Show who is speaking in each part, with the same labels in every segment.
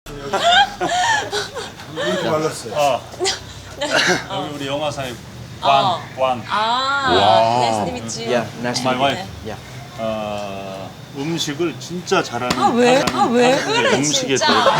Speaker 1: 이렇게 말랐어요.
Speaker 2: 여기 우리 영화사의 관.
Speaker 3: Nice to meet you.
Speaker 4: Yeah, nice to
Speaker 2: My
Speaker 4: meet
Speaker 2: wife.
Speaker 4: you. Yeah.
Speaker 2: 음식을 진짜 잘하는
Speaker 3: 왜?
Speaker 2: 한국
Speaker 3: 왜 그래,
Speaker 2: 음식에
Speaker 3: 진짜.
Speaker 2: 대해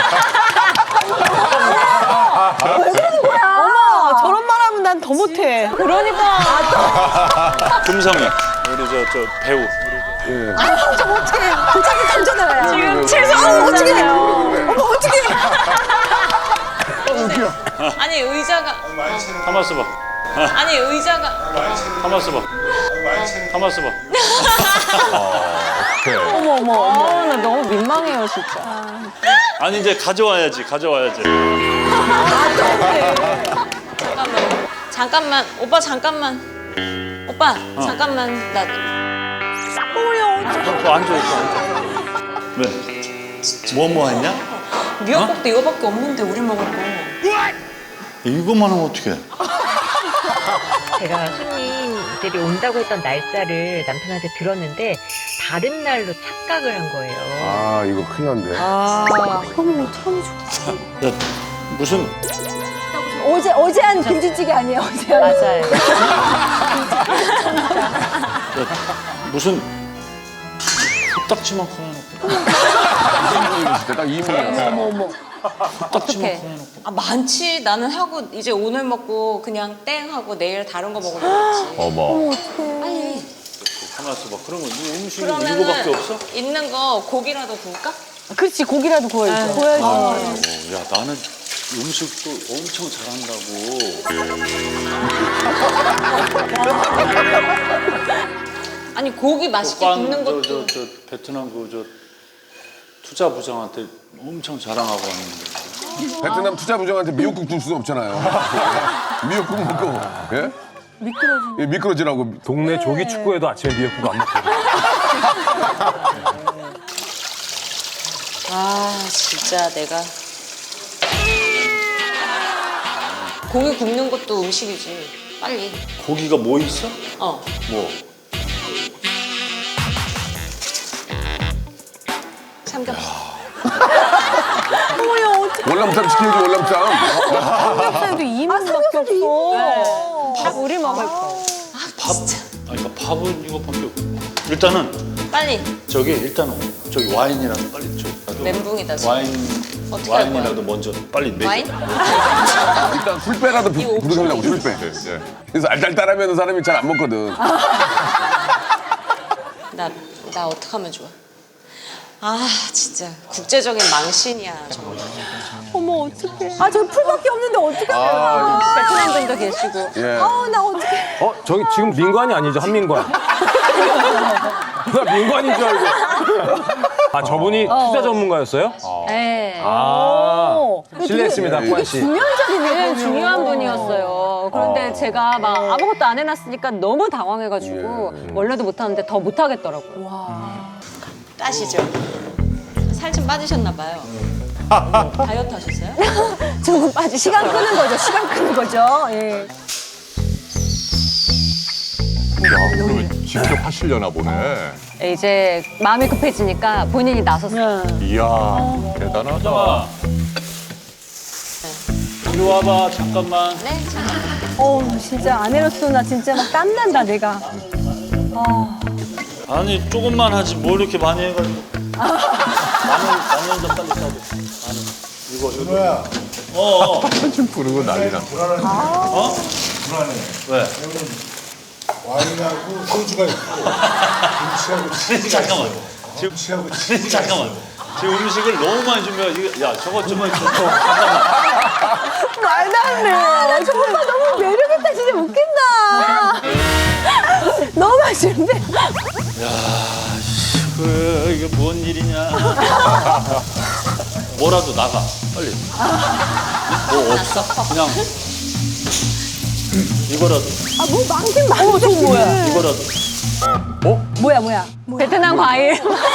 Speaker 5: 어머, 저런 말 하면 난 더 못해.
Speaker 3: 그러니까.
Speaker 2: 금성이 우리 저 배우.
Speaker 5: 저 못해. 도자기 던져놔요.
Speaker 3: 지금 최선을
Speaker 5: 어떻게?
Speaker 3: 다했어요.
Speaker 5: 어머, 어떻게?
Speaker 3: 아니 의자가
Speaker 2: 가만 있어봐.
Speaker 3: 아니 의자가
Speaker 2: 가만 있어봐. 가만 있어봐.
Speaker 5: 어머. 나 너무 민망해요, 진짜.
Speaker 2: 아니 이제 가져와야지.
Speaker 3: 잠깐만 오빠 잠깐만 잠깐만 나
Speaker 2: 앉아 있어. 왜? 뭐 했냐?
Speaker 3: 미역국도 이거밖에 없는데 우리 먹을 거.
Speaker 2: 이것만 하면 어떡해?
Speaker 6: 제가 손님들이 온다고 했던 날짜를 남편한테 들었는데 다른 날로 착각을 한 거예요.
Speaker 7: 아 이거 큰일 났네.
Speaker 5: 어머, 어떡하면 좋지.
Speaker 2: 야, 무슨
Speaker 5: 어제 한 김치찌개 아니에요, 어제 한.
Speaker 6: 맞아요.
Speaker 2: 무슨 코딱지만큼 해놓고
Speaker 7: 진짜 딱 2인분이야.
Speaker 5: 어머.
Speaker 2: 코딱지만큼 해놓고
Speaker 3: 아 많지 나는 하고 이제 오늘 먹고 그냥 땡 하고 내일 다른 거 먹으면 되지.
Speaker 7: 어머.
Speaker 3: 빨리.
Speaker 2: 가만 있어봐. 그러면 네 음식이 이거밖에 없어?
Speaker 3: 있는 거 고기라도 구울까?
Speaker 5: 그렇지, 고기라도 구워야죠. 구워야지.
Speaker 2: 야 나는 음식도 엄청 잘한다고.
Speaker 3: 아니 고기 맛있게 굽는 것도
Speaker 2: 저 베트남 저 투자 부장한테 엄청 자랑하고 왔는데.
Speaker 7: 베트남 투자 부장한테 미역국 줄 수는 없잖아요. 미역국 먹고 예? 예, 미끄러지라고.
Speaker 8: 동네 조기 축구에도 아침에 미역국 안 먹거든.
Speaker 3: 아 진짜 내가 고기 굽는 것도 음식이지. 빨리.
Speaker 2: 고기가 뭐 있어?
Speaker 3: 어.
Speaker 2: 뭐?
Speaker 3: 삼겹살.
Speaker 7: 월남쌈 시켜야지 월남쌈.
Speaker 5: 삼겹살도 2인분밖에 없어.
Speaker 3: 밥 우리 먹을 거.
Speaker 2: 밥? 아니 그러니까 밥은 이거밖에 없고. 일단은
Speaker 3: 빨리.
Speaker 2: 저기 와인이라도 빨리 줘.
Speaker 3: 멘붕이다 지금. 어떻게 할 거야?
Speaker 2: 와인이라도 먼저 빨리 내.
Speaker 3: 와인?
Speaker 7: 일단 술배라도 부르려고 술배. 예. 그래서 알딸딸하면 사람이 잘 안 먹거든.
Speaker 3: 나 어떡하면 좋아? 아 진짜 국제적인 망신이야 정말.
Speaker 5: 어머, 어떡해. 아, 저 풀밖에 없는데 어떡하면. 베트남 분도 계시고.
Speaker 7: 예.
Speaker 5: 나 어떡해.
Speaker 8: 저기 지금 민관이 아니죠? 한민관. 나 민관인 줄 알고. 아, 저분이 투자 전문가였어요?
Speaker 5: 네.
Speaker 8: 실례했습니다, 꾸안 씨.
Speaker 5: 중요한 중요한 분이었어요. 그런데 제가 막 아무것도 안 해놨으니까 너무 당황해가지고 원래도 못하는데 더 못하겠더라고요.
Speaker 3: 따시죠. 살 좀 빠지셨나 봐요. 다이어트 하셨어요?
Speaker 5: 조금 빠지. 시간 끄는 거죠. 예.
Speaker 7: 그러면 직접 하시려나 보네.
Speaker 5: 이제 마음이 급해지니까 본인이 나섰어요.
Speaker 7: 이야 대단하다.
Speaker 2: 잠깐만. 이리 와봐 잠깐만.
Speaker 3: 네.
Speaker 5: 진짜 아내로서 나 진짜 막 땀난다, 내가.
Speaker 2: 아니 조금만 하지 뭘 이렇게 많이 해가지고. 마늘 좀 빨리 싸줘. 마늘. 이거.
Speaker 1: 뭐야?
Speaker 7: 지금 부르고 난리 났어.
Speaker 2: 어?
Speaker 1: 불안해.
Speaker 2: 왜?
Speaker 1: 와인하고 소주가 있고 김치하고 치즈가
Speaker 2: 잠깐만.
Speaker 1: 있어요. 김치하고 치즈가
Speaker 2: 잠깐만. 지금 음식을 너무 많이 준비해. 야 저거 좀 잠깐만.
Speaker 5: 말도 안 돼. 저 오빠 너무 매력있다. 진짜 웃긴다. 너무 맛있는데.
Speaker 2: 이게 뭔 일이냐. 뭐라도 나가 빨리. 뭐 없어? 그냥 이거라도.
Speaker 5: 뭐 많긴 많은데. 저거 뭐야?
Speaker 2: 이거라도.
Speaker 5: 뭐야? 베트남 과일.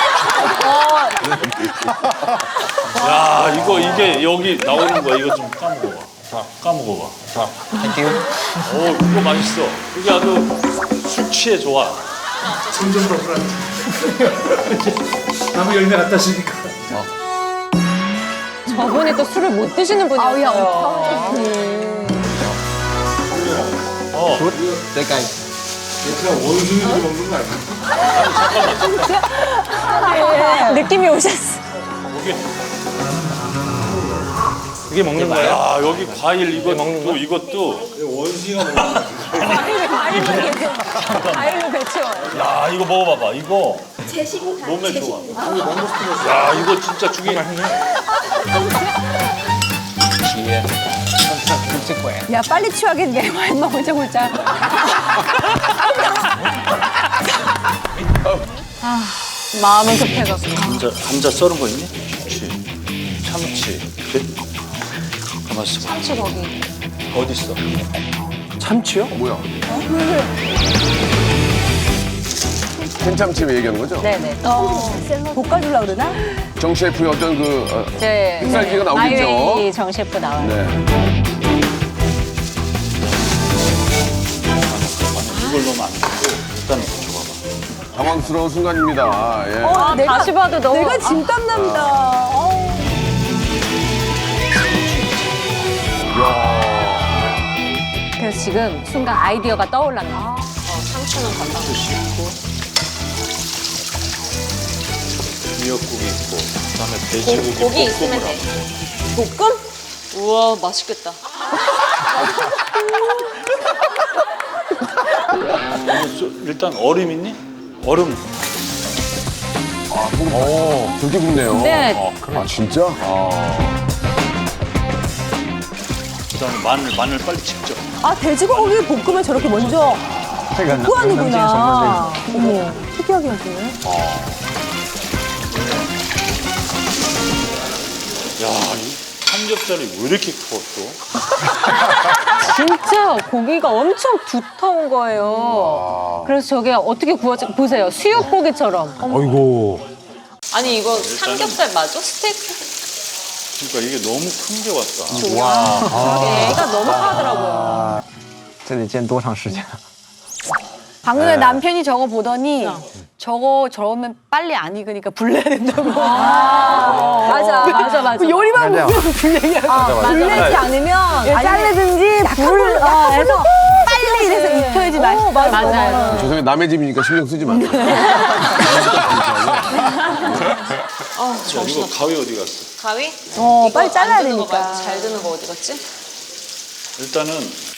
Speaker 2: 야 이게 여기 나오는 거야. 이거 좀 까먹어봐. 자 까먹어봐. 자. 이거 맛있어. 이게 아주 숙취에 좋아.
Speaker 1: 점점 더 불안해. 나무 열매 갖다 주니까.
Speaker 5: 저분이 또 술을 못 드시는 분이었어요.
Speaker 1: 그냥 원숭이를 먹는 거 아니야?
Speaker 5: 느낌이 오셨어.
Speaker 8: 이게 먹는 거예요?
Speaker 2: 야 여기 과일 이것도 이것도
Speaker 1: 원숭이가 먹는 거
Speaker 5: 과일로 배치워요.
Speaker 2: 야 이거 먹어봐봐 이거 몸에 좋아. 야 이거 진짜 죽이 맛있네.
Speaker 5: 야, 빨리 취하겠네. 와인만 혼자 보자. 마음은 급해갖고.
Speaker 2: 감자 썰은 거 있니? 좋지. 참치. 그래? 가만 있어.
Speaker 3: 참치 거기.
Speaker 2: 어디 있어?
Speaker 8: 참치요?
Speaker 7: 뭐야? 캔참치 얘기하는 거죠?
Speaker 5: 네네. 볶아주려고 그러나?
Speaker 7: 정 셰프의 어떤 그
Speaker 5: 네.
Speaker 7: 햇살기가 나오겠죠?
Speaker 5: 마이웨이 정 셰프 나와요.
Speaker 7: 네.
Speaker 2: 이걸 넣으면 안 되고 일단 줘봐봐.
Speaker 7: 당황스러운 순간입니다. 예.
Speaker 5: 다시 봐도 너무.
Speaker 9: 내가 진땀 납니다.
Speaker 5: 그래서 지금 순간 아이디어가 떠올랐네.
Speaker 3: 상추는 건강.
Speaker 2: 미역국이 있고 그다음에 돼지고기
Speaker 3: 고기 있으면
Speaker 2: 볶음을
Speaker 3: 돼.
Speaker 2: 하고.
Speaker 3: 볶음? 우와 맛있겠다.
Speaker 2: 일단 얼음 있니? 얼음.
Speaker 7: 그렇게 굽네요.
Speaker 5: 네.
Speaker 7: 아, 진짜?
Speaker 2: 그다음에 마늘 빨리 직접.
Speaker 9: 아, 돼지고기 볶으면 저렇게 먼저 볶고 하는구나. 어머, 특이하게 하시네.
Speaker 2: 야, 이 삼겹살이 왜 이렇게 커 또?
Speaker 5: 진짜 고기가 엄청 두터운 거예요. 그래서 저게 어떻게 구워지 보세요. 수육고기처럼.
Speaker 8: 어이구.
Speaker 3: 아니 이거 삼겹살 맞아? 스테이크?
Speaker 2: 그러니까 이게 너무 큰 게 왔다.
Speaker 5: 애가 너무 파더라고요.
Speaker 10: 这得煎多长时间？
Speaker 9: 방금 전에 남편이 저거 보더니 저러면 빨리 안 익으니까 불내야 된다고.
Speaker 5: 맞아.
Speaker 9: 요리만 보면 불내야 불내지 않으면 자르든지 불을 해서 빨리 이래서 익혀야지 맛있어.
Speaker 5: 맞아요.
Speaker 7: 죄송해요. 남의 집이니까 신경 쓰지 마세요.
Speaker 3: 아
Speaker 2: 야,
Speaker 3: 정신
Speaker 2: 이거
Speaker 3: 없어.
Speaker 2: 가위 어디 갔어?
Speaker 3: 가위?
Speaker 9: 빨리
Speaker 3: 이거
Speaker 9: 잘라야
Speaker 3: 안 드는 거
Speaker 9: 되니까.
Speaker 3: 말고 잘 드는 거 어디 갔지?
Speaker 2: 일단은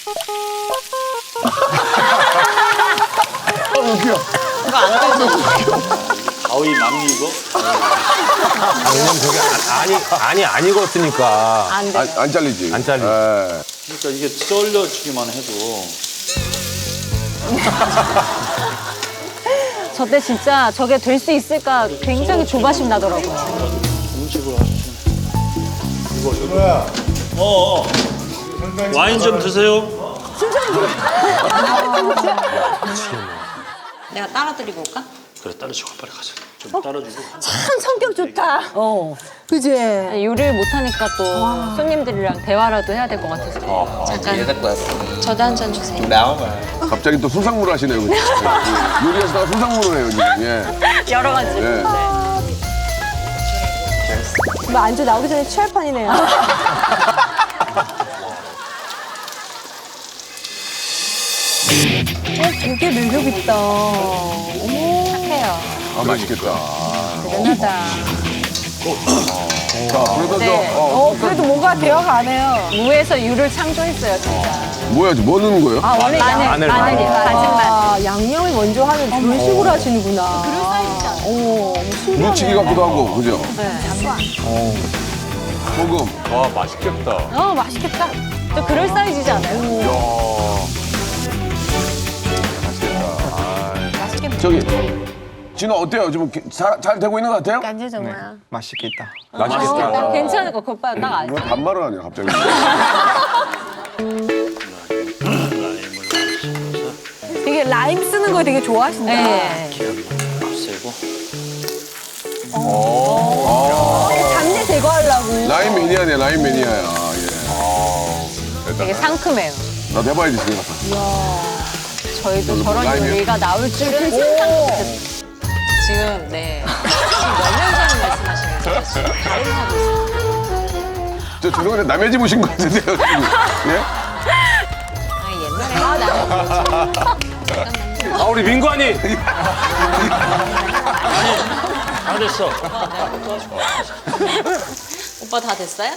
Speaker 3: 이거 안 되잖아.
Speaker 2: 가위 남니 이거?
Speaker 8: 왜냐면 저게 안 익었으니까.
Speaker 5: 안 돼.
Speaker 7: 안 잘리지?
Speaker 8: 안 잘리지.
Speaker 7: 예.
Speaker 2: 그러니까 이게 썰려지기만 해도
Speaker 5: 저때 진짜 저게 될 수 있을까 굉장히 조바심 나더라고요.
Speaker 2: 음식을 하시면.
Speaker 1: 뭐야?
Speaker 2: 어. 와인 좀 드세요.
Speaker 3: 내가 따라드리고 올까?
Speaker 2: 그래 따라주고 빨리 가자. 좀 따라주고.
Speaker 9: 참 성격 좋다. 그지?
Speaker 5: 요리를 못하니까 또 손님들이랑 대화라도 해야 될 것 같아서.
Speaker 3: 잠깐. 저도 한 잔 주세요.
Speaker 7: 갑자기 또 수상무를 하시네요. 그죠? 예. 요리하시다가 수상무를 해요, 지금. 예.
Speaker 5: 여러 가지.
Speaker 7: 예.
Speaker 9: 뭐 안주 나오기 전에 취할 판이네요. 되게 매력 있다. 어머,
Speaker 5: 착해요.
Speaker 7: 아, 맛있겠다.
Speaker 5: 대단하다.
Speaker 7: 자, 그래서
Speaker 5: 네.
Speaker 9: 그래도 뭔가 대화가 안 해요.
Speaker 5: 무에서 유를 창조했어요, 진짜.
Speaker 7: 뭐야, 뭐 넣는 거예요?
Speaker 5: 원래 마늘, 다진 마늘.
Speaker 9: 아, 양념을 먼저 하는 그런 식으로 하시는구나. 그런 사이즈잖아. 신기하네.
Speaker 7: 무치기 같기도 하고, 그죠? 소금.
Speaker 8: 와, 맛있겠다.
Speaker 5: 맛있겠다. 또 그럴 사이즈지 않아요?
Speaker 7: 맛있겠다. 저기, 진호 어때요? 지금 잘 되고 있는 것 같아요?
Speaker 9: 간지 정말.
Speaker 10: 맛있겠다.
Speaker 8: 맛있겠다.
Speaker 5: 괜찮을 거, 오빠 딱 알지.
Speaker 7: 왜 반말을 하냐, 갑자기.
Speaker 9: 되게 라임 쓰는 거 되게 좋아하신다.
Speaker 5: 네.
Speaker 2: 세고.
Speaker 9: 잡내 제거하려고.
Speaker 7: 라임 매니아네, 라임 매니아야. 예.
Speaker 5: 되게 상큼해요.
Speaker 7: 나도 해봐야지, 집에 가서.
Speaker 5: 저희도 저런
Speaker 7: 라임이요?
Speaker 5: 요리가 나올 줄은 상상도 못했어요.
Speaker 3: 지금 네. 지금 몇 년 전에 말씀하시는 거예요? 지금 다른 하고 있어요.
Speaker 7: 저 죄송한데 남의 집 오신 거 같은데요? 지금. 예?
Speaker 3: 아 옛날에
Speaker 8: 아 우리 민관이
Speaker 2: 다 됐어.
Speaker 3: 오빠 다 됐어요?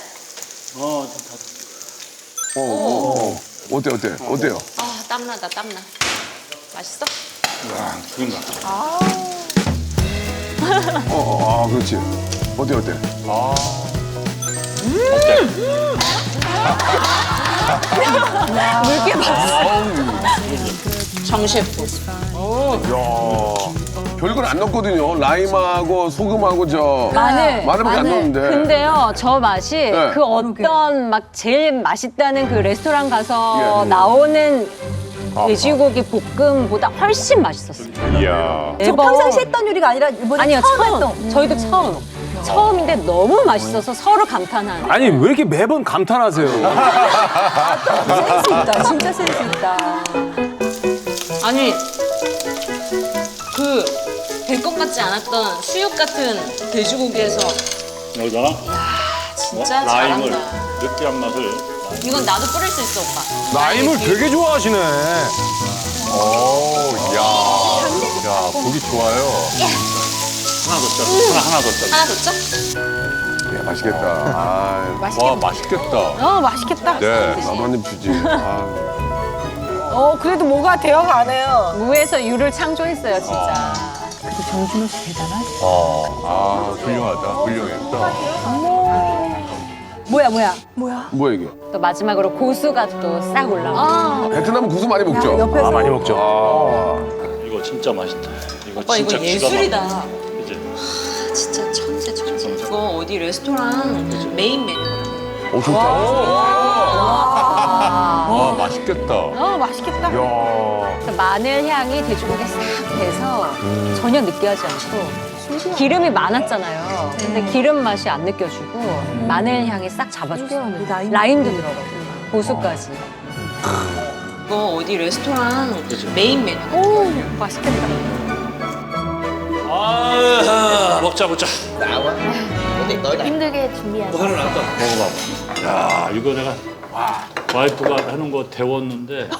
Speaker 7: 어때요?
Speaker 3: 아 땀나다 땀나. 맛있어?
Speaker 2: 그런가.
Speaker 7: 그렇지. 어때?
Speaker 3: 물개 봤어. 정셰프.
Speaker 7: 별걸 안 넣었거든요. 라임하고 소금하고 마늘밖에 안 넣었는데.
Speaker 5: 근데요, 저 맛이
Speaker 7: 네.
Speaker 5: 그 어떤 막 제일 맛있다는 그 레스토랑 가서
Speaker 7: 예.
Speaker 5: 나오는 돼지고기 볶음보다 훨씬 맛있었어요.
Speaker 7: 이야.
Speaker 9: 저 평상시 했던 요리가 아니라 이번에
Speaker 5: 아니요,
Speaker 9: 처음
Speaker 5: 처음.
Speaker 9: 했던.
Speaker 5: 저희도 처음. 처음인데 너무 맛있어서 서로 감탄하는.
Speaker 8: 아니 왜 이렇게 매번 감탄하세요?
Speaker 9: 센스 있다. 진짜 센스 있다.
Speaker 3: 아니 그 될 것 같지 않았던 수육 같은 돼지고기에서
Speaker 2: 여기다가
Speaker 3: 진짜
Speaker 2: 라임을
Speaker 3: 잘한다.
Speaker 2: 느끼한 맛을.
Speaker 3: 이건 나도 뿌릴 수 있어 오빠.
Speaker 8: 라임을 되게 좋아하시네.
Speaker 7: 야, 보기 좋아요.
Speaker 2: 하나 더 짜. 하나 더 짜.
Speaker 3: 하나 더 짜?
Speaker 7: 야, 맛있겠다. 와, 맛있겠다.
Speaker 9: 맛있겠다.
Speaker 7: 네, 나도 한 입 주지.
Speaker 9: 그래도 뭐가 되어가네요.
Speaker 5: 무에서 유를 창조했어요, 진짜.
Speaker 9: 정준호 씨 대단하지.
Speaker 7: 훌륭하다. 훌륭해.
Speaker 9: 뭐야?
Speaker 7: 이게?
Speaker 5: 또 마지막으로 고수가 또 싹 올라오고.
Speaker 7: 베트남은 고수 많이 먹죠?
Speaker 9: 옆에서.
Speaker 8: 많이 먹죠.
Speaker 2: 이거 진짜 맛있다. 이거
Speaker 3: 오빠
Speaker 2: 진짜
Speaker 3: 이거
Speaker 2: 기가
Speaker 3: 예술이다.
Speaker 2: 막혀. 그치?
Speaker 3: 진짜 천재. 이거 어디 레스토랑 메인 메뉴.
Speaker 7: 오, 좋다. 와, 맛있겠다.
Speaker 9: 맛있겠다.
Speaker 5: 그래서 마늘 향이 돼지고기에 싹 배서 전혀 느끼하지 않고 기름이 많았잖아요. 근데 기름 맛이 안 느껴지고 마늘 향이 싹 잡아줬어요. 라임도 들어가고 고수까지.
Speaker 3: 이거 어디 레스토랑 메인 메뉴.
Speaker 5: 맛있겠다.
Speaker 2: 아, 먹자.
Speaker 9: 힘들게 준비하자.
Speaker 2: 먹어봐. 야, 이거 내가 와이프가 하는 거 데웠는데.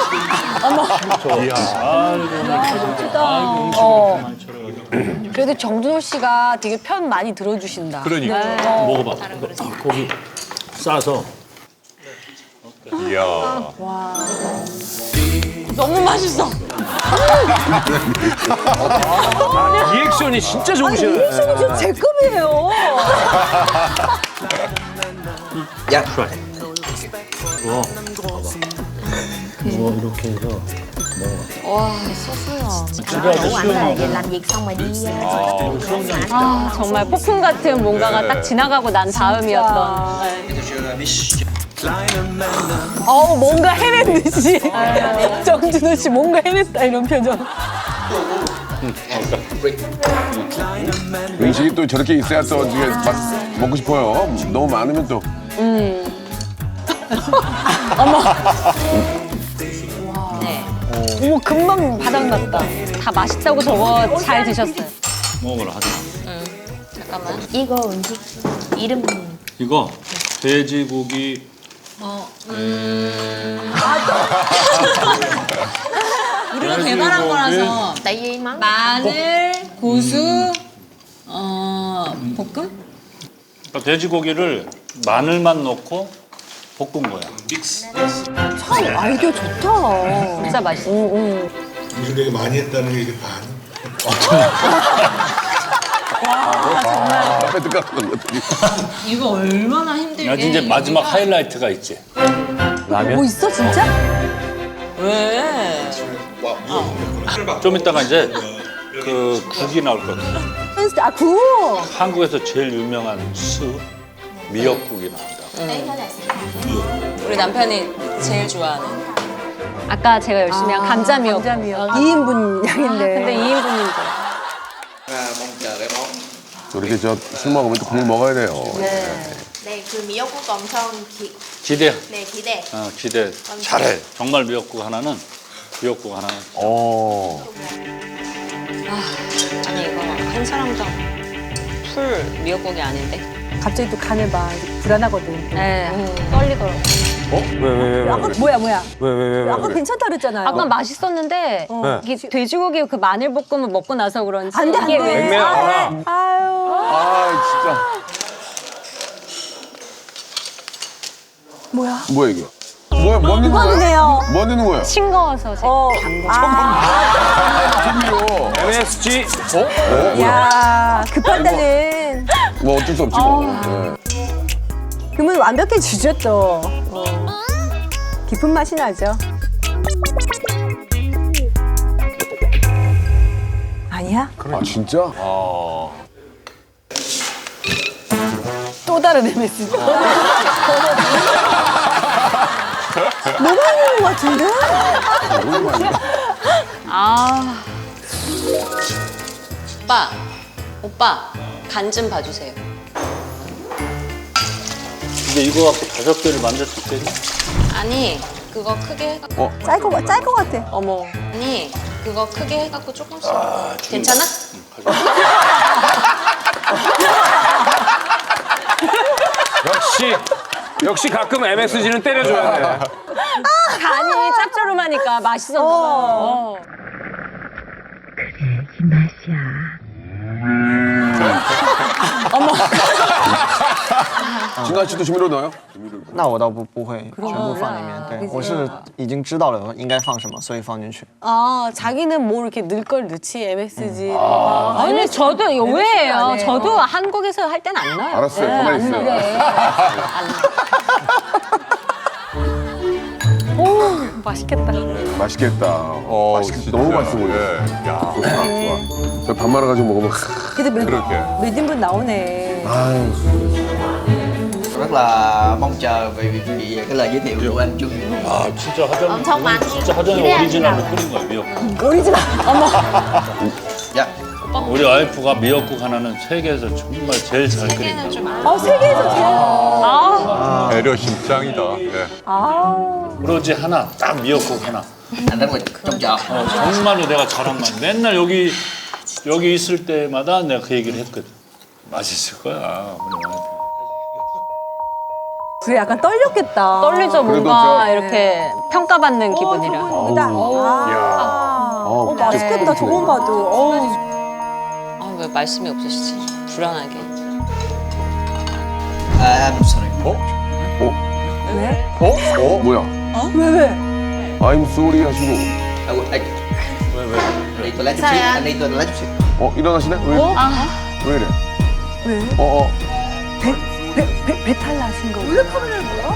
Speaker 9: 그래도 정준호 씨가 되게 편 많이 들어주신다.
Speaker 7: 그러니까.
Speaker 2: 먹어봐. 고기 싸서.
Speaker 7: 이야.
Speaker 3: 너무 맛있어.
Speaker 8: 리액션이 진짜 좋으시네.
Speaker 9: 리액션이 진짜 제 급이에요.
Speaker 2: 이거 봐봐. 이거 이렇게 해서
Speaker 3: 와 소스요.
Speaker 2: 집에서 수영하고.
Speaker 5: 아, 정말 폭풍 같은 뭔가가 딱 지나가고 난 다음이었던.
Speaker 9: 뭔가 해낸 듯이. 정준호 씨 뭔가 해냈다 이런 표정.
Speaker 7: 음식이 또 저렇게 있어야 또 이게 먹고 싶어요. 너무 많으면 또.
Speaker 3: 네.
Speaker 9: 어머 금방 바닥났다.
Speaker 5: 다 맛있다고 저거 잘 드셨어요.
Speaker 2: 먹어라 하자.
Speaker 3: 잠깐만.
Speaker 9: 이거 음식 이름.
Speaker 2: 이거 돼지고기.
Speaker 3: 우리가 개발한 거라서 마늘, 고수, 볶음?
Speaker 2: 그러니까 돼지고기를 마늘만 넣고 볶은 거야.
Speaker 9: 참 아이디어 좋다.
Speaker 5: 진짜 맛있어.
Speaker 1: 요즘 되게 많이 했다는 게 이게 반.
Speaker 7: 앞에 들어가는 것들이.
Speaker 3: 이거 얼마나 힘들게.
Speaker 2: 야, 이제 마지막 하이라이트가 있지.
Speaker 9: 뭐 있어 진짜?
Speaker 3: 왜?
Speaker 2: 좀 이따가 이제 그 국이 나올 거거든.
Speaker 9: 아 구워.
Speaker 2: 한국에서 제일 유명한 수 미역국이 나온다.
Speaker 3: 우리 남편이 제일 좋아하는.
Speaker 5: 아까 제가 열심히 한 감자미역.
Speaker 9: 2인분 양인데.
Speaker 5: 근데 2인분인데.
Speaker 7: 저렇게 술 먹으면 또 국물 먹어야 돼요.
Speaker 11: 네, 그 미역국 엄청
Speaker 2: 기대.
Speaker 11: 네, 기대.
Speaker 2: 기대. 잘해. 정말 미역국 하나는.
Speaker 3: 아니 이거 한 사람당 풀 미역국이 아닌데.
Speaker 9: 갑자기 또 간을 봐. 불안하거든.
Speaker 5: 네. 떨리더라고.
Speaker 8: 왜?
Speaker 9: 아까 뭐야?
Speaker 8: 왜?
Speaker 9: 아까 괜찮다 그랬잖아요.
Speaker 5: 아까 맛있었는데 이게 돼지고기 그 마늘볶음을 먹고 나서 그런지
Speaker 9: 안 돼, 안
Speaker 5: 이게
Speaker 9: 돼.
Speaker 5: 왜
Speaker 8: 냉면이구나.
Speaker 9: 아유.
Speaker 7: 아, 진짜.
Speaker 9: 뭐야?
Speaker 7: 뭐야, 이게? 뭐 넣는 거야?
Speaker 9: 이거네요.
Speaker 7: 뭐 넣는 거야?
Speaker 5: 싱거워서 제가
Speaker 7: 조미료.
Speaker 8: MSG?
Speaker 9: 야, 급한다는.
Speaker 7: 뭐 어쩔 수 없지, 뭐. 네.
Speaker 9: 그러면 완벽해지죠, 또. 깊은 맛이 나죠. 아니야?
Speaker 7: 아, 진짜?
Speaker 9: 또 다른 MSG. 너무 많은 것 같은데?
Speaker 3: 오빠 간 좀 봐주세요.
Speaker 2: 근데 이거 갖고 5개를 만들 수 있겠니?
Speaker 3: 아니 그거 크게 해갖고
Speaker 9: 짤 것 같아.
Speaker 3: 어머 아니 그거 크게 해갖고 조금씩 괜찮아?
Speaker 8: 역시 가끔 MSG는 때려줘야 돼.
Speaker 5: 간이 짭조름하니까 맛있었나 봐요.
Speaker 6: 이 맛이야.
Speaker 7: 진아 씨도 조미료 넣어요?
Speaker 10: 那我倒不会全部放里面，对我是已经知道了应该放什么，所以放进去。
Speaker 9: 아, 자기는 뭐 이렇게 넣을 걸 넣지, MSG.
Speaker 5: 아니 저도 의외예요. 저도 한국에서 할 땐 안 나요.
Speaker 7: 알았어요. 가만히 있어요.
Speaker 9: 맛있겠다.
Speaker 7: 맛있겠다. 맛있겠다. 너무 맛있어 보여.
Speaker 2: 야.
Speaker 7: 저 밥 말아가지고 먹으면.
Speaker 9: 그래도 몇 인분 나오네.
Speaker 10: rất là mong chờ vì cái lời giới thiệu của anh Trung.
Speaker 2: 아 진짜 화장
Speaker 11: 엄청 많이
Speaker 2: 진짜 화장의
Speaker 11: 기대하지
Speaker 2: 오리지널로
Speaker 11: 마.
Speaker 2: 끓인 거야 미역국.
Speaker 9: 오리지널.
Speaker 10: Dạ.
Speaker 2: 우리 와이프가 미역국 하나는 세계에서 정말 제일 잘 끓인다.
Speaker 3: 좀
Speaker 9: 세계에서 제일.
Speaker 1: 배려심 짱이다. 예.
Speaker 2: 오로지 하나 딱 미역국 하나.
Speaker 10: Anh rất là trông chờ.
Speaker 2: 정말로 내가 자랑만. 맨날 여기 있을 때마다 내가 그 얘기를 했거든. 맛있을 거야 우리 와이프.
Speaker 9: 그게 약간 떨렸겠다.
Speaker 5: 떨리죠
Speaker 7: 그래도
Speaker 5: 뭔가
Speaker 7: 저-
Speaker 5: 이렇게 평가받는 기분이라.
Speaker 9: 맛있겠다, 저건 봐도.
Speaker 3: 왜 말씀이 없으시지? 불안하게.
Speaker 10: I'm sorry.
Speaker 9: 왜?
Speaker 7: 뭐야?
Speaker 9: 왜?
Speaker 7: I'm sorry 하시고.
Speaker 10: Anh đi toilet chút
Speaker 11: Sao
Speaker 10: xíu.
Speaker 11: vậy?
Speaker 10: Anh đi toilet chút xíu.
Speaker 7: 일어나시네? 왜 이래?
Speaker 9: 왜? 배탈 나신 거. 원래 카메라를 뭐야?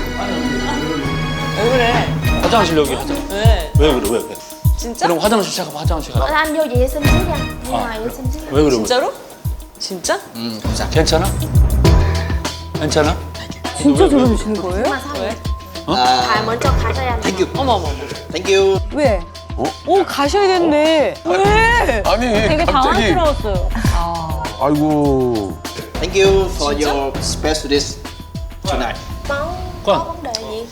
Speaker 3: 왜 그래?
Speaker 2: 화장실 여기 하자.
Speaker 3: 왜?
Speaker 2: 왜 그래?
Speaker 3: 진짜?
Speaker 2: 그럼 화장실 잠깐 화장실 가.
Speaker 11: Anh vô vệ sinh xíu nha. Đi ngoài vệ sinh xíu.
Speaker 2: 왜 그래?
Speaker 3: 진짜로? 진짜?
Speaker 10: Không sao.
Speaker 2: 괜찮아? 괜찮아?
Speaker 9: 진짜 저러시는 거예요?
Speaker 11: Mà sao vậy?
Speaker 10: À,
Speaker 11: Thầy 먼저 가셔야 돼.
Speaker 10: thank you.
Speaker 3: 어머.
Speaker 10: Thank you.
Speaker 9: 왜? 가셔야겠네. 왜?
Speaker 7: 아니,
Speaker 5: 되게
Speaker 7: 갑자기.
Speaker 5: 당황스러웠어요.
Speaker 7: 아이고.
Speaker 10: Thank you for your special dish tonight.
Speaker 11: Có vấn đề gì?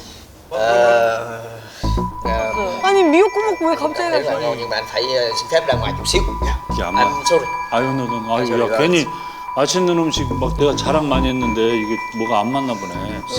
Speaker 9: 아니, 미역국 먹고 왜 갑자기
Speaker 10: Rất là
Speaker 9: 가셔?
Speaker 10: ngon nhưng mà anh phải xin phép ra ngoài chút xíu.
Speaker 2: 야,
Speaker 10: Anh sorry.
Speaker 2: 아유, 야, 괜히 맛있는 음식 막 내가 자랑 많이 했는데 이게 뭐가 안 맞나 보네.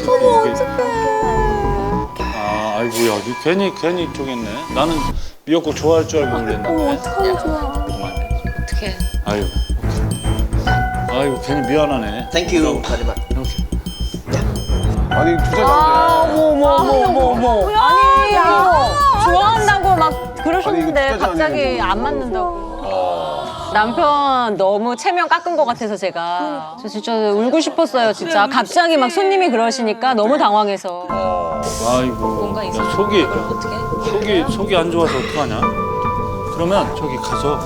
Speaker 2: 아, 아이고, 야, 니 괜히 쪼겠네. 나는 미역국 좋아할 줄 알고 그랬나 보네.
Speaker 3: 어떡해.
Speaker 2: 아유, 아이고, 괜히 미안하네.
Speaker 10: Thank you very much.
Speaker 2: 이렇게.
Speaker 7: 아니, 투자자인데.
Speaker 9: 어머.
Speaker 5: 아니에요. 좋아한다고 막
Speaker 7: 아니,
Speaker 5: 그러셨는데
Speaker 7: 이거 진짜
Speaker 5: 갑자기
Speaker 7: 잘하네.
Speaker 5: 안 맞는다고. 남편 너무 체면 깎은 것 같아서 제가 저 진짜 울고 싶었어요 진짜. 갑자기 막 손님이 그러시니까 너무 당황해서.
Speaker 2: 아이고,
Speaker 3: 뭔가
Speaker 2: 야,
Speaker 3: 있어.
Speaker 2: 속이
Speaker 3: 어떡해?
Speaker 2: 안 좋아서 어떡하냐? 그러면 저기 가서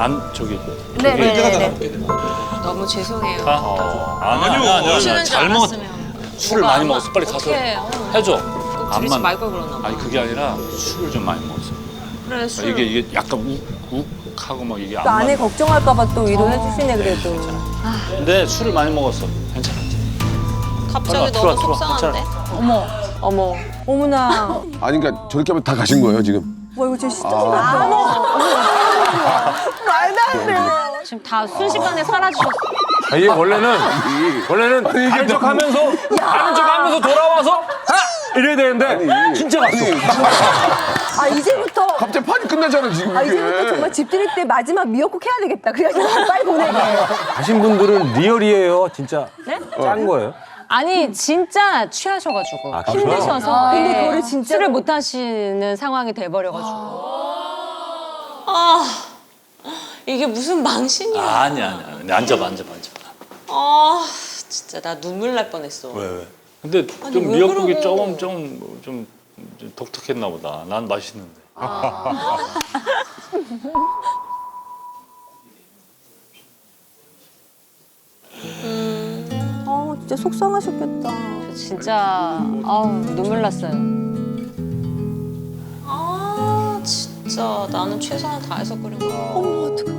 Speaker 9: 네네네.
Speaker 3: 너무 죄송해요.
Speaker 2: 아니야,
Speaker 3: 싫은 줄
Speaker 2: 잘 먹었.
Speaker 3: 알았으면.
Speaker 2: 술을
Speaker 3: 뭐가
Speaker 2: 많이
Speaker 3: 안
Speaker 2: 먹었어. 빨리 가서
Speaker 3: 어떡해.
Speaker 2: 해줘.
Speaker 3: 꼭 들이지 말걸 그러나 봐.
Speaker 2: 아니 그게 아니라 술을 좀 많이 먹었어.
Speaker 3: 그래 술.
Speaker 2: 이게 약간 욱하고 막 이게 안
Speaker 9: 또 아내
Speaker 2: 맞아.
Speaker 9: 걱정할까봐 또 위로해 주시네, 그래도.
Speaker 2: 근데 술을 많이 먹었어. 괜찮아.
Speaker 3: 갑자기
Speaker 2: 들어와,
Speaker 3: 너무 속상한데?
Speaker 5: 어머.
Speaker 9: 어머나.
Speaker 7: 아니, 그러니까 저렇게 하면 다 가신 거예요, 지금?
Speaker 9: 뭐 이거 진짜 말도 안 돼.
Speaker 5: 지금 다 순식간에 사라지셨어.
Speaker 8: 이게 원래는 아는 척하면서 돌아와서 이래야 되는데 진짜 갔어.
Speaker 9: 아 이제부터
Speaker 7: 갑자기 판이 끝나잖아 지금 이게.
Speaker 9: 이제부터 정말 집 들일 때 마지막 미역국 해야 되겠다. 그래가지고 빨리 보내게.
Speaker 8: 가신 분들은 리얼이에요. 진짜 짠 거예요.
Speaker 5: 아니 진짜 취하셔가지고
Speaker 8: 아, 그래요?
Speaker 5: 힘드셔서
Speaker 9: 근데
Speaker 5: 예,
Speaker 9: 그거를 진짜로-
Speaker 5: 술을 못 하시는 상황이 돼버려가지고
Speaker 3: 이게 무슨 망신이야.
Speaker 2: 아니야. 앉아봐.
Speaker 3: 아 진짜 나 눈물 날 뻔했어.
Speaker 2: 왜? 근데
Speaker 3: 아니,
Speaker 2: 좀
Speaker 3: 왜
Speaker 2: 미역국이
Speaker 3: 그러고.
Speaker 2: 좀 독특했나 보다. 난 맛있는데.
Speaker 9: 진짜 속상하셨겠다.
Speaker 5: 진짜 눈물 났어요.
Speaker 3: 아 진짜 나는 최선을 다해서 끓인 거야.
Speaker 9: 어머 어떡해.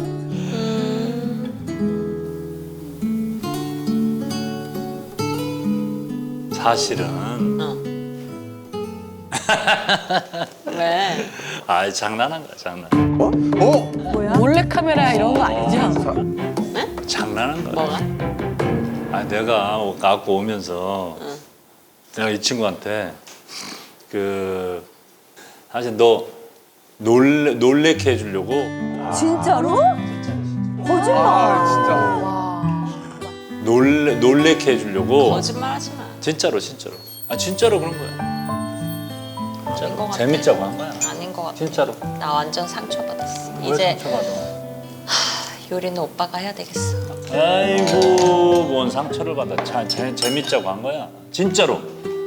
Speaker 2: 사실은
Speaker 3: 왜?
Speaker 2: 아 장난한 거야 장난.
Speaker 5: 몰래 카메라 이런 거 아니죠?
Speaker 2: 장난한 거야.
Speaker 3: 뭐가?
Speaker 2: 아 내가 갖고 오면서 내가 이 친구한테 그 사실 너 놀래게 해주려고
Speaker 9: 진짜로? 거짓말.
Speaker 2: 놀래게 해주려고
Speaker 3: 거짓말하지 마.
Speaker 2: 진짜로 아 진짜로 그런 거야.
Speaker 3: 아닌 것 같아.
Speaker 2: 재밌자고 한 거야.
Speaker 3: 아닌 것 같아.
Speaker 2: 진짜로.
Speaker 3: 나 완전 상처받았어.
Speaker 2: 왜
Speaker 3: 이제
Speaker 2: 상처받아?
Speaker 3: 요리는 오빠가 해야 되겠어.
Speaker 2: 아이고 뭔 상처를 받아. 재밌자고 한 거야. 진짜로.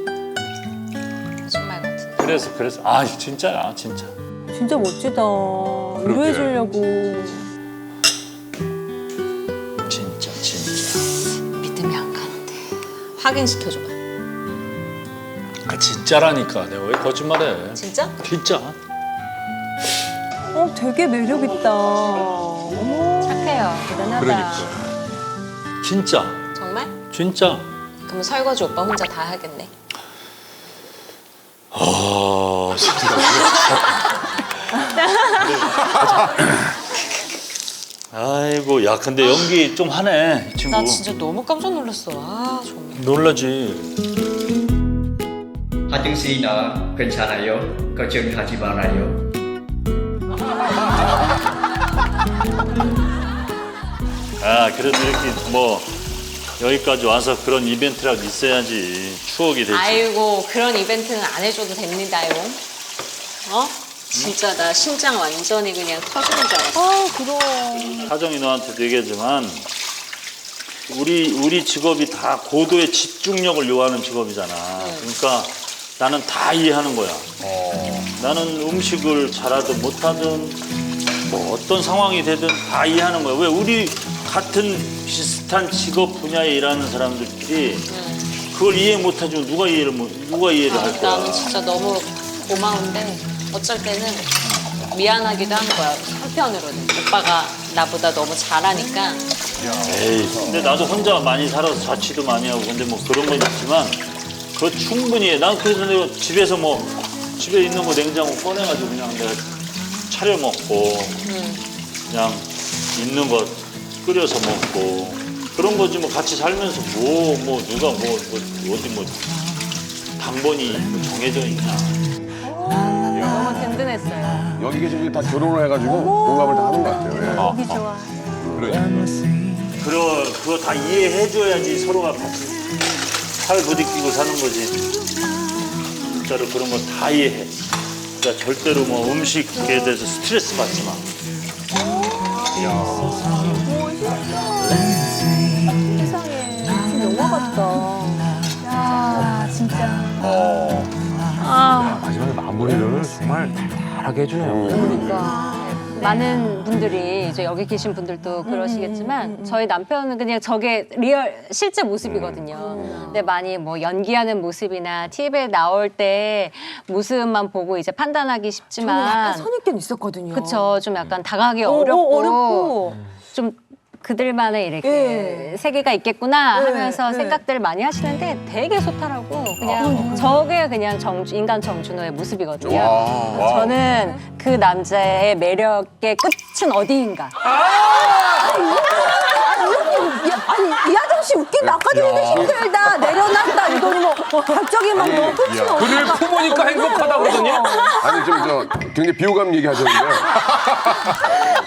Speaker 3: 거짓말 같은데.
Speaker 2: 그래서 아 진짜야 진짜.
Speaker 9: 진짜 멋지다. 위로해주려고.
Speaker 2: 진짜.
Speaker 3: 믿음이 안 가는데. 확인시켜줘봐.
Speaker 2: 아 진짜라니까. 내가 왜 거짓말해?
Speaker 3: 진짜?
Speaker 2: 진짜.
Speaker 9: 되게 매력 있다. 어머.
Speaker 5: 착해요. 대단하다.
Speaker 2: 그러니까. 진짜.
Speaker 3: 정말?
Speaker 2: 진짜.
Speaker 3: 그럼 설거지 오빠 혼자 다 하겠네.
Speaker 2: 아이고 야 근데 연기 좀 하네 이 친구.
Speaker 3: 나 진짜 너무 깜짝 놀랐어. 아 정말.
Speaker 2: 놀라지.
Speaker 10: 하정 씨나 괜찮아요? 걱정하지 말아요.
Speaker 2: 아 그래도 이렇게 뭐 여기까지 와서 그런 이벤트라도 있어야지 추억이 되지.
Speaker 3: 아이고 그런 이벤트는 안 해줘도 됩니다요. 진짜 나 심장 완전히 그냥 터지는 줄 알았어.
Speaker 9: 그럼.
Speaker 2: 사정이 너한테도 얘기하지만 우리 직업이 다 고도의 집중력을 요하는 직업이잖아. 그러니까 나는 다 이해하는 거야. 나는 음식을 잘하든 못하든 뭐 어떤 상황이 되든 다 이해하는 거야. 왜 우리 같은 비슷한 직업 분야에 일하는 사람들끼리 그걸 이해 못하지만 누가 이해를 할 거야.
Speaker 3: 나는 진짜 너무 고마운데 어쩔 때는 미안하기도 한 거야. 한편으로는 오빠가 나보다 너무 잘하니까.
Speaker 2: 에이, 근데 나도 혼자 많이 살아서 자취도 많이 하고 근데 뭐 그런 건 있지만 그거 충분히 해. 난 그래서 내가 집에서 뭐 집에 있는 거 냉장고 꺼내가지고 그냥 내가 차려 먹고 그냥 있는 거 끓여서 먹고 그런 거지 뭐 같이 살면서 뭐 누가 뭐 어디 뭐 당번이 정해져 있냐.
Speaker 5: 너무 든든했어요.
Speaker 7: 여기 계신 분이 다 결혼을 해가지고 공감을 다 하는 것 같아요.
Speaker 9: 보기 좋아.
Speaker 2: 그거 다 이해해줘야지 서로가 같이 팔 부딪히고 사는 거지. 진짜로 그런 거 다 이해해. 그러니까 절대로 뭐 음식에 대해서 스트레스 받지 마.
Speaker 9: 세상에. 진짜 영화 같다. 야, 진짜.
Speaker 8: 마지막에 마무리를 정말 달달하게 해주네요.
Speaker 5: 그러니까 많은 분들이 이제 여기 계신 분들도 그러시겠지만 저희 남편은 그냥 저게 리얼 실제 모습이거든요. 근데 많이 뭐 연기하는 모습이나 TV에 나올 때 모습만 보고 이제 판단하기 쉽지만
Speaker 9: 약간 선입견 있었거든요.
Speaker 5: 그쵸. 좀 약간 다가가기 어렵고 좀 그들만의 이렇게 세계가 있겠구나 하면서 생각들을 많이 하시는데 되게 소탈하고 그냥 저게 그냥 인간 정준호의 모습이거든요. 저는 그 남자의 매력의 끝은 어디인가.
Speaker 9: 아니 이 아저씨 웃긴다. 아까 전에도 힘들다 내려놨다 이러더니 뭐 갑자기 막 너무 끝이 없어.
Speaker 8: 그를 품으니까 행복하다 그러더니
Speaker 7: 아니 좀 저 굉장히 비호감 얘기하셨는데